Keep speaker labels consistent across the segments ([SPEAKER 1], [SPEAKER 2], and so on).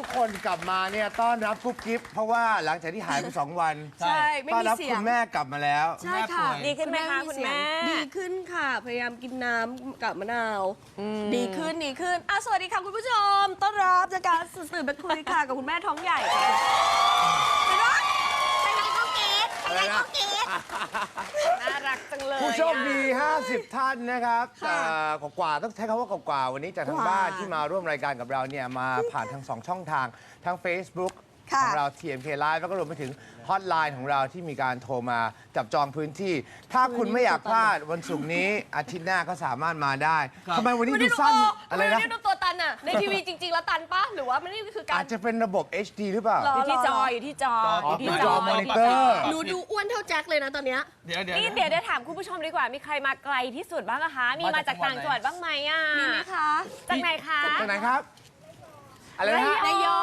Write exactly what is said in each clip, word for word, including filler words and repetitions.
[SPEAKER 1] คนกลับมาเนี่ยต้อนรับกุ๊บกิ๊บเพราะว่าหลังจากที่หายไปสองวัน
[SPEAKER 2] ใช่ไม่
[SPEAKER 1] ต้อน
[SPEAKER 2] มี
[SPEAKER 1] รับ
[SPEAKER 2] เสีย
[SPEAKER 1] คุ
[SPEAKER 2] ง
[SPEAKER 1] ณแม่กลับมาแล้ว
[SPEAKER 2] ใช่ค่ะ
[SPEAKER 3] ดีขึ้นไหมคะคุณแม่
[SPEAKER 2] ดีขึ้นค่ะ พยายามกินน้ำกับมะนาว ดีขึ้นดีขึ้นอ่ะสวัสดีค่ะคุณผู้ชม ต้อนรับจากการสื่อไปคุยค่ะกับคุณแม่ท้องใหญ่ค่ะไปรถไปไหนก็เกตไปไหนก็เกต
[SPEAKER 3] น่ารักจังเลย
[SPEAKER 1] ผู้โชคดี
[SPEAKER 3] อะ
[SPEAKER 1] ห้าสิบ ท่านนะครับ
[SPEAKER 2] ค่ะ
[SPEAKER 1] เอ่อกว่าๆต้องใช้คำว่ากว่าๆวันนี้จากทาง
[SPEAKER 2] กว่า
[SPEAKER 1] บ้านที่มาร่วมรายการกับเราเนี่ยมาผ่านทางสองช่องทางทั้ง Facebook
[SPEAKER 2] ค่ะ
[SPEAKER 1] ของเรา ที เอ็ม เค Live แล้วก็รวมไปถึงฮอตไลน์ของเราที่มีการโทรมาจับจองพื้นที่ ถ้าคุณไม่อยากพลาดวันศุกร์นี้ อาทิตย์หน้าก็สามารถมาได้ทำไมวันนี้ดูสั้นอะไรนะ
[SPEAKER 2] ทำไมวันนี้ดูตัวตันอะในทีวีจริง ๆ แล้วตันปะหรือว่ามันนี่คือการ
[SPEAKER 1] อาจจะเป็นระบบ เอช ดี หรือเปล่า
[SPEAKER 2] หร
[SPEAKER 3] อยู่ที่จออยู่ที่จอ
[SPEAKER 1] อ๋อ
[SPEAKER 3] อยู่ที่
[SPEAKER 1] คือ
[SPEAKER 3] จ
[SPEAKER 1] จ
[SPEAKER 3] อ
[SPEAKER 1] อมอนิเตอร์
[SPEAKER 2] หนูดูอ้วนเท่าแจ็คเลยนะตอนเนี้ย
[SPEAKER 4] เดี๋ยวเดี๋ยว
[SPEAKER 3] นี่เดี๋ยวได้ถามคุณผู้ชมดีกว่ามีใครมาไกลที่สุดบ้างอะคะมีมาจากต่างจังหวัดบ้างไหมอะ
[SPEAKER 2] มีไหมคะ
[SPEAKER 3] จากไหนคะ
[SPEAKER 1] จากไหนครับ อะไรนะฮะ
[SPEAKER 3] ระยอง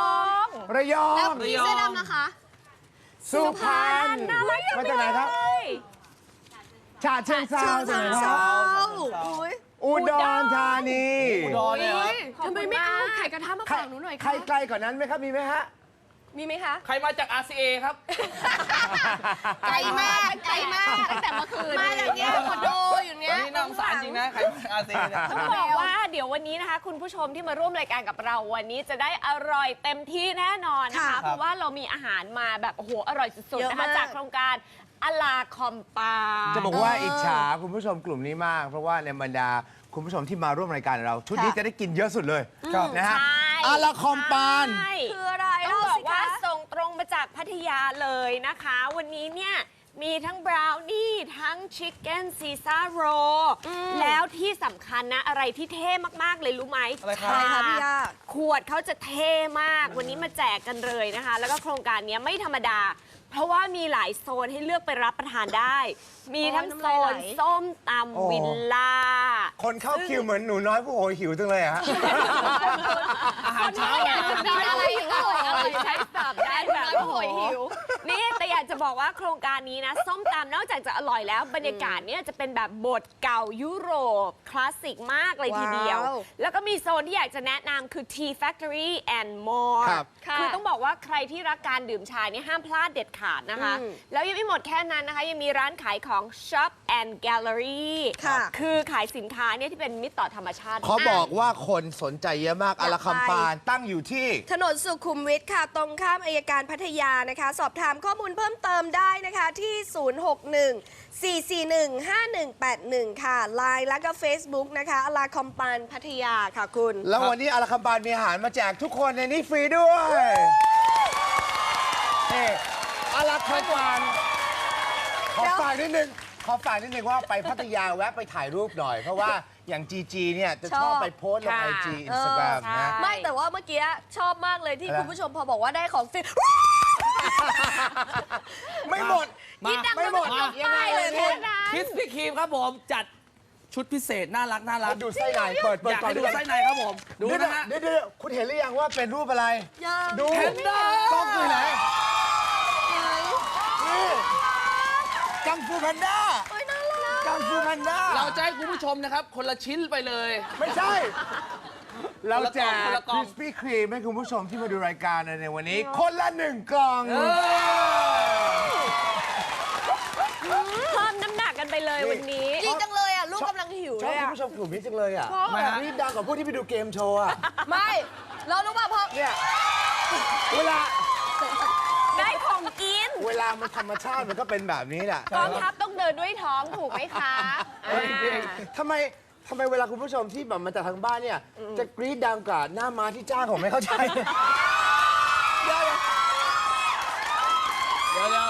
[SPEAKER 1] ระยอง
[SPEAKER 2] แล้วพี่เสื้อดำนะคะ
[SPEAKER 1] สุพรรณ
[SPEAKER 3] น่ารักจัง
[SPEAKER 1] มาจากไหนครับ
[SPEAKER 3] เลย
[SPEAKER 1] ฉะเชิงเทราจากไหนครับ
[SPEAKER 2] อุ้ย
[SPEAKER 1] อุดรธานี
[SPEAKER 4] อุดรเนี่ยครับ
[SPEAKER 2] ทำไมไม่เอาไข่กระทะมาฝากหนูหน่อย
[SPEAKER 1] ใคร
[SPEAKER 2] คะ
[SPEAKER 1] ไกลกว่านั้นไหมครับ มีไหมฮะ
[SPEAKER 2] มีไหมคะ
[SPEAKER 4] ใครมาจาก อาร์ ซี เอ ครับ
[SPEAKER 2] ไกลมากไกลมากตั้งแต่เมื่อคืนมาจากเนี้ยคอนโดอยู่เนี้ย
[SPEAKER 4] นี่น่าสงสารจริงนะ ใครมาจาก อาร์ ซี เอ เนี่ย
[SPEAKER 3] ต้องบอกว่าเดี๋ยววันนี้นะคะ คุณผู้ชมที่มาร่วมรายการกับเราวันนี้จะได้อร่อยเต็มที่แน่นอนนะคะ
[SPEAKER 2] ค่ะ
[SPEAKER 3] เพราะว่าเรามีอาหารมาแบบโอ้โหอร่อยสุด
[SPEAKER 2] เย
[SPEAKER 3] ๆ
[SPEAKER 2] อะ
[SPEAKER 3] นะคะ
[SPEAKER 2] มาก
[SPEAKER 3] จากโครงการอลาคอมปา
[SPEAKER 1] จะบอกว่าอิจฉาคุณผู้ชมกลุ่มนี้มาก เพราะว่าในบรรดาคุณผู้ชมที่มาร่วมรายการเรา ชุดนี้จะได้กินเยอะสุดเลยนะฮะ
[SPEAKER 3] ใช่
[SPEAKER 1] อาราคอมปาน
[SPEAKER 3] ใช่
[SPEAKER 2] คืออะไร
[SPEAKER 3] ต้องบอกว่า
[SPEAKER 2] เล่สิคะ
[SPEAKER 3] ส่งตรงมาจากพัทยาเลยนะคะ วันนี้เนี่ยมีทั้งบราวนี่ทั้งชิคเก้นซีซ่าโรแล้วที่สำคัญนะอะไรที่เท่มาก ๆ เลยรู้ไหม
[SPEAKER 4] อะไรครับ
[SPEAKER 2] อะไรคะพี่ย่า
[SPEAKER 3] ขวดเขาจะเท่มาก วันนี้มาแจกกันเลยนะคะ แล้วก็โครงการนี้ไม่ธรรมดา เพราะว่ามีหลายโซนให้เลือกไปรับประทานได้ มีทั้งโซนส้มตำวิลล่า
[SPEAKER 1] คนเข้าคิวเหมือนหนูน้อยผู้โหยหิวจังเลยอะฮะ
[SPEAKER 4] อาหารเช้า
[SPEAKER 3] อยากจะกินอะไรอร่อยอร่อยใช้สับได้แบบ
[SPEAKER 2] น้อยผู้โหยหิว
[SPEAKER 3] นี่แต่อยากจะบอกว่าโครงการนี้นะ ส้มตำนอกจากจะอร่อยแล้ว บรรยากาศเนี่ยจะเป็นแบบบทเก่ายุโรป คลาสสิกมากเลยทีเดียว
[SPEAKER 2] ว้าว
[SPEAKER 3] แล้วก็มีโซนที่อยากจะแนะนำคือ Tea Factory and More
[SPEAKER 1] ครับ
[SPEAKER 3] คือต้องบอกว่าใครที่รักการดื่มชาเนี่ยห้ามพลาดเด็ดขาดนะคะ
[SPEAKER 2] อืม
[SPEAKER 3] แล้วยังไม่หมดแค่นั้นนะคะ ยังมีร้านขายของ Shop and Gallery
[SPEAKER 2] ค่ะ
[SPEAKER 3] คือขายสินค้าเนี่ยที่เป็นมิตรต่อธรรมชาติ
[SPEAKER 1] เขาบอกว่าคนสนใจเยอะมาก
[SPEAKER 2] อยาก
[SPEAKER 1] อาราคอมปานตั้งอยู่ที่
[SPEAKER 2] ถนนสุขุมวิทค่ะ ตรงข้ามอัยการพัทยานะคะ สอบถามข้อมูลเพิ่มเติมได้นะคะ ที่ ศูนย์ หก หนึ่ง สี่ สี่ หนึ่ง ห้า หนึ่ง แปด หนึ่ง ค่ะ ไลน์แล้วก็ Facebook นะคะอลาคอมปานพัทยาค่ะคุณ
[SPEAKER 1] แล้ววันนี้อาราคอมปานมีอาหารมาแจกทุกคนในนี้ฟรีด้วยนี่อาราคอมปานขอฝากนิดนึงขอฝากนิดนึงว่าไปพัทยาแวะไปถ่ายรูปหน่อย เพราะว่าอย่าง จี จี เนี่ยจะชอบไปโพสต์ลง
[SPEAKER 3] ค่ะ
[SPEAKER 1] ไอจีอินสตาแกรมนะ
[SPEAKER 2] ไม่แต่ว่าเมื่อกี้ชอบมากเลยที่
[SPEAKER 1] อะไร
[SPEAKER 2] คุณผู้ชมพอบอกว่าได้ของฟรี
[SPEAKER 1] ไม่หมด
[SPEAKER 4] มา
[SPEAKER 1] ไม่หมด
[SPEAKER 4] มา
[SPEAKER 2] ยังไงเลย
[SPEAKER 3] แค่นั้น
[SPEAKER 4] คิสพี่ครีมครับผม จัดชุดพิเศษ น่ารักน่ารัก
[SPEAKER 1] ดูไส้ในเปิดเปิ
[SPEAKER 4] อ
[SPEAKER 1] ด
[SPEAKER 4] ยาก
[SPEAKER 1] ก่อน
[SPEAKER 4] ให้ดู
[SPEAKER 1] ด้วย
[SPEAKER 4] ไส้ในครับผม ดู
[SPEAKER 1] เดี๋ยว
[SPEAKER 4] นะฮะ
[SPEAKER 1] เดี๋ยวเดี๋ยวคุณเห็นหรือยังว่าเป็นรูปอะไร
[SPEAKER 2] ยัง
[SPEAKER 1] ดู
[SPEAKER 4] แพนด้า
[SPEAKER 1] กล้องคือไหนนี่กังฟูแพนด้า
[SPEAKER 2] โอ้ยน่ารัก
[SPEAKER 1] กังฟูแพนด้า
[SPEAKER 4] เราจะให้คุณผู้ชมนะครับ คนละชิ้นไปเลย
[SPEAKER 1] ไม่ใช่ เราแจก
[SPEAKER 4] คนละกล่
[SPEAKER 1] ค
[SPEAKER 4] อง
[SPEAKER 1] ริสปี้ครีมให้คุณผู้ชมที่มาดูรายการในวันนี้ คนละหนึ่งกล่อง
[SPEAKER 4] เออ
[SPEAKER 3] เพิ่มน้ำหนักกันไปเลยวันนี้
[SPEAKER 2] ดีจังเลยอ่ะ ลูกกำลังหิว
[SPEAKER 1] ชอ
[SPEAKER 2] เล
[SPEAKER 1] บ
[SPEAKER 2] ย
[SPEAKER 1] คุณ
[SPEAKER 2] อ่ะ
[SPEAKER 1] ผู้ชมกลุ่มนี้จังเลยอ่ะ
[SPEAKER 2] ชอบ
[SPEAKER 4] ทำไมฮะ
[SPEAKER 1] นี่ดังกว่าพวกที่ไปดูเกมโชว์อ่ะ
[SPEAKER 2] ไม่เรารู้ป่ะเพราะ
[SPEAKER 1] เนี่ย เวลา
[SPEAKER 3] ได้ของกิน
[SPEAKER 1] เวลามันธรรมชาติมันก็เป็นแบบนี้แหละ
[SPEAKER 3] กองทัพต้องเดินด้วยท้องถูกไหมคะอ่า
[SPEAKER 1] ทำไมทำไมเวลาคุณผู้ชมที่แบบมาจากทางบ้านเนี่ย จะกรี๊ดดังกว่าหน้าม้าที่จ้างผมไม่เข้าใจ เดี๋ยว
[SPEAKER 4] เดี๋ยวเดี๋ยว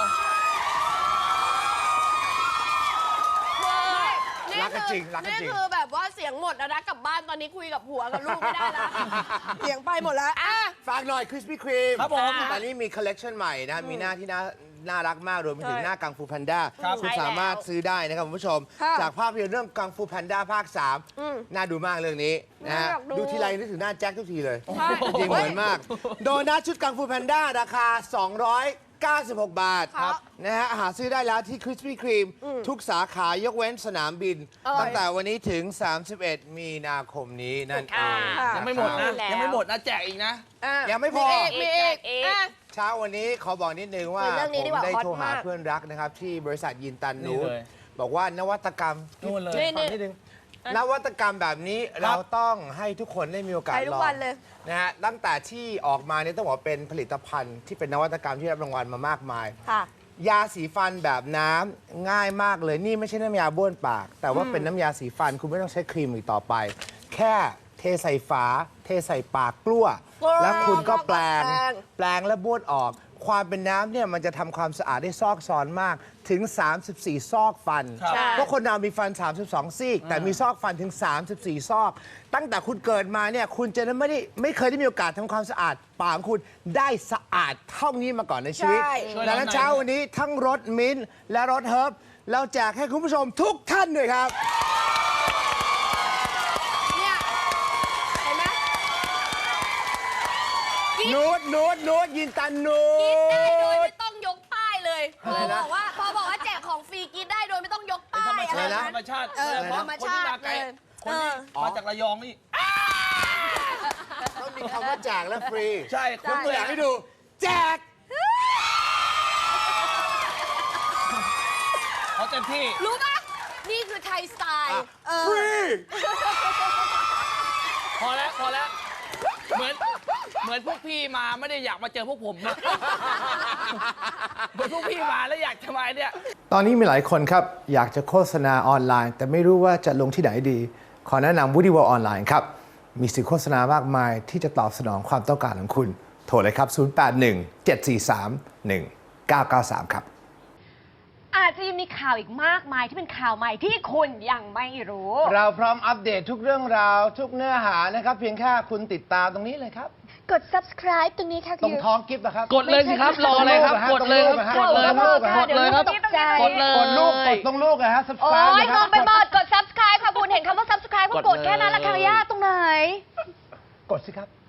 [SPEAKER 2] นี่
[SPEAKER 1] รักกัน
[SPEAKER 2] คือ
[SPEAKER 1] จริงรักกันจริง
[SPEAKER 2] นี่คือแบบว่าเสียงหมดแล้วนะกลับบ้านตอนนี้คุยกับผัวกับลูกไม่ได้แล้ว เสียงไปหมดแล้วอ่ะ
[SPEAKER 1] ฝากหน่อยคริสปี้ครีม
[SPEAKER 4] ครับผม
[SPEAKER 1] ตอนนี้มีคอลเลกชันใหม่นะมีหน้าที่น่าน่ารักมากรวมไปถึง
[SPEAKER 2] ใช่
[SPEAKER 1] หน้ากังฟูแพนด้า
[SPEAKER 4] ครับ
[SPEAKER 1] คุณสามารถซื้อได้นะครับคุณผู้ชม
[SPEAKER 2] ค่ะ
[SPEAKER 1] จากภาพยนตร์เรื่องกังฟูแพนด้าภาคสาม
[SPEAKER 2] อืม
[SPEAKER 1] น่าดูมากเรื่องนี้นะฮะ
[SPEAKER 2] น่าอยากดู
[SPEAKER 1] ดูทีไรนึกถึงหน้าแจ็คทุกทีเลย
[SPEAKER 2] ใช่
[SPEAKER 1] จริงเหมือนมาก โดนัทชุดกังฟูแพนด้าราคา สองร้อยเก้าสิบหก บาท
[SPEAKER 2] ครับ
[SPEAKER 1] นะฮะหาซื้อได้แล้วที่คริสปี้ครีมทุกสาขายกเว้นสนามบิน
[SPEAKER 2] อร่อย
[SPEAKER 1] ตั้งแต่วันนี้ถึง สามสิบเอ็ด มีนาคมนี้นั่นเอง
[SPEAKER 2] ค่ะ
[SPEAKER 4] ยังไม่หมดนะ
[SPEAKER 3] แล้ว
[SPEAKER 4] ยังไม่หมดนะ แจกอีกนะ
[SPEAKER 2] อ่ะ
[SPEAKER 1] ยังไม่พอ
[SPEAKER 2] มีอีกมีอีก
[SPEAKER 3] อีก
[SPEAKER 2] อ่ะ
[SPEAKER 1] เช้าวันนี้ขอบอกนิดนึงว่า
[SPEAKER 2] คุยเรื่องนี้ดีกว่า
[SPEAKER 1] ผมได้
[SPEAKER 2] ฮอต
[SPEAKER 1] โทรหาม
[SPEAKER 2] าก
[SPEAKER 1] เพื่อนรักนะครับ ที่บริษัทยินตันนู
[SPEAKER 4] นี่เลย
[SPEAKER 1] บอกว่านวัตกรรม
[SPEAKER 4] นู่นเลย
[SPEAKER 1] ฟังนิดนึงนวัตกรรมแบบนี้เราต้องให้ทุกคนได้มีโอกาส
[SPEAKER 2] ใช้ทุ
[SPEAKER 1] ล
[SPEAKER 2] ก
[SPEAKER 1] อง
[SPEAKER 2] วันเลย
[SPEAKER 1] นะฮะตั้งแต่ที่ออกมาเนี่ยต้องบอกว่าเป็นผลิตภัณฑ์ที่เป็นนวัตกรรมที่รับรางวัลมามากมาย
[SPEAKER 2] ค่ะ
[SPEAKER 1] ยาสีฟันแบบน้ำง่ายมากเลยนี่ไม่ใช่น้ำยาบ้วนปาก แต่ว่าเป็นน้ำยาสีฟันคุณไม่ต้องใช้ครีมอีกต่อไป แค่เทใส่ฝา เทใส่ปากกล้ว
[SPEAKER 2] กล้ว
[SPEAKER 1] แล้วคุณก็แปลง
[SPEAKER 2] แปลง
[SPEAKER 1] แปลงและบ้วนออก ความเป็นน้ำเนี่ยมันจะทำความสะอาดได้ซอกซอนมากถึง สามสิบสี่ ซอกฟัน
[SPEAKER 4] ครับ
[SPEAKER 1] เพราะคนเรามีฟัน สามสิบสอง ซี่แต่มีซอกฟันถึง สามสิบสี่ ซอก ตั้งแต่คุณเกิดมาเนี่ยคุณจะไม่ได้ไม่เคยได้มีโอกาสทำความสะอาดปากของคุณได้สะอาดเท่านี้มาก่อนในชีวิต
[SPEAKER 2] ใช่
[SPEAKER 1] ดังนั้นเช้าวันนี้ทั้งรสมิ้นท์และรสเฮิร์บเราแจกให้คุณผู้ชมทุกท่านด้วยครับ
[SPEAKER 2] เนี่ยเห็นไหม
[SPEAKER 1] นูดนูดนูดยินตันนู
[SPEAKER 2] กินได้โดย
[SPEAKER 1] ด
[SPEAKER 2] ไม่ต้องยกป้ายเลยพ
[SPEAKER 1] อะไร
[SPEAKER 2] อ
[SPEAKER 1] นะ
[SPEAKER 2] บอกว่าพอบอกว่าแจกของฟรีกินได้โดยไม่ต้องยกป้าย
[SPEAKER 4] ธรรม
[SPEAKER 2] อะไร
[SPEAKER 4] ชาติ
[SPEAKER 2] นะ
[SPEAKER 4] ธรรมชาติ
[SPEAKER 2] เออ
[SPEAKER 4] โดยเฉพะ
[SPEAKER 2] ธรรมชาติ
[SPEAKER 4] คนที่มาไกล
[SPEAKER 2] เลย
[SPEAKER 4] คนที่
[SPEAKER 2] เออ
[SPEAKER 4] มาจากระยองนี่
[SPEAKER 1] ต้องมีคำว่าแจกและฟรี
[SPEAKER 4] ใช่
[SPEAKER 1] ยกตัวอย่างให้ดู แจก
[SPEAKER 4] เขาเต็มที่
[SPEAKER 2] รู้ปะนี่คือไทยสไตล์เออ
[SPEAKER 1] ฟรี
[SPEAKER 4] พอแล้วพอแล้ว เหมือนเหมือนพวกพี่มาไม่ได้อยากมาเจอพวกผมนะ เหมือนพวกพี่มาแล้วอยากจะมาเนี่ย
[SPEAKER 1] ตอนนี้มีหลายคนครับ อยากจะโฆษณาออนไลน์ แต่ไม่รู้ว่าจะลงที่ไหนดี ขอแนะนำ Woody World ออนไลน์ครับ มีสื่อโฆษณามากมายที่จะตอบสนองความต้องการของคุณ โทรเลยครับ ศูนย์ แปด หนึ่ง เจ็ด สี่ สาม หนึ่ง เก้า เก้า สาม ครับ
[SPEAKER 3] อาจจะยังมีข่าวอีกมากมายที่เป็นข่าวใหม่ที่คุณยังไม่รู้
[SPEAKER 1] เราพร้อมอัปเดตทุกเรื่องราว ทุกเนื้อหานะครับ เพียงแค่คุณติดตามตรงนี้เลยครับ
[SPEAKER 5] กด subscribe ตรงนี้ค่ะ
[SPEAKER 1] ตรงท้องกิฟต์นะครับ
[SPEAKER 4] กดเลยสิครับ รออะไรครับ กดเลยครับ กดเลยครับ กดเลยครับ
[SPEAKER 5] ตกใจ
[SPEAKER 4] กดเลย
[SPEAKER 1] กดลูกกดตรงลูกนะฮะ
[SPEAKER 5] โอ้
[SPEAKER 1] subscribe
[SPEAKER 5] ย
[SPEAKER 1] นะค
[SPEAKER 5] ง
[SPEAKER 1] รับ
[SPEAKER 5] งไปหมด กด subscribe ค่ะคุณ เห็นคำว่า subscribe ก็
[SPEAKER 4] ก
[SPEAKER 5] ก
[SPEAKER 4] ด
[SPEAKER 5] ด
[SPEAKER 4] เลย
[SPEAKER 5] แค่นั้นละค่ะย่าตรงไหน
[SPEAKER 1] กดสิครับ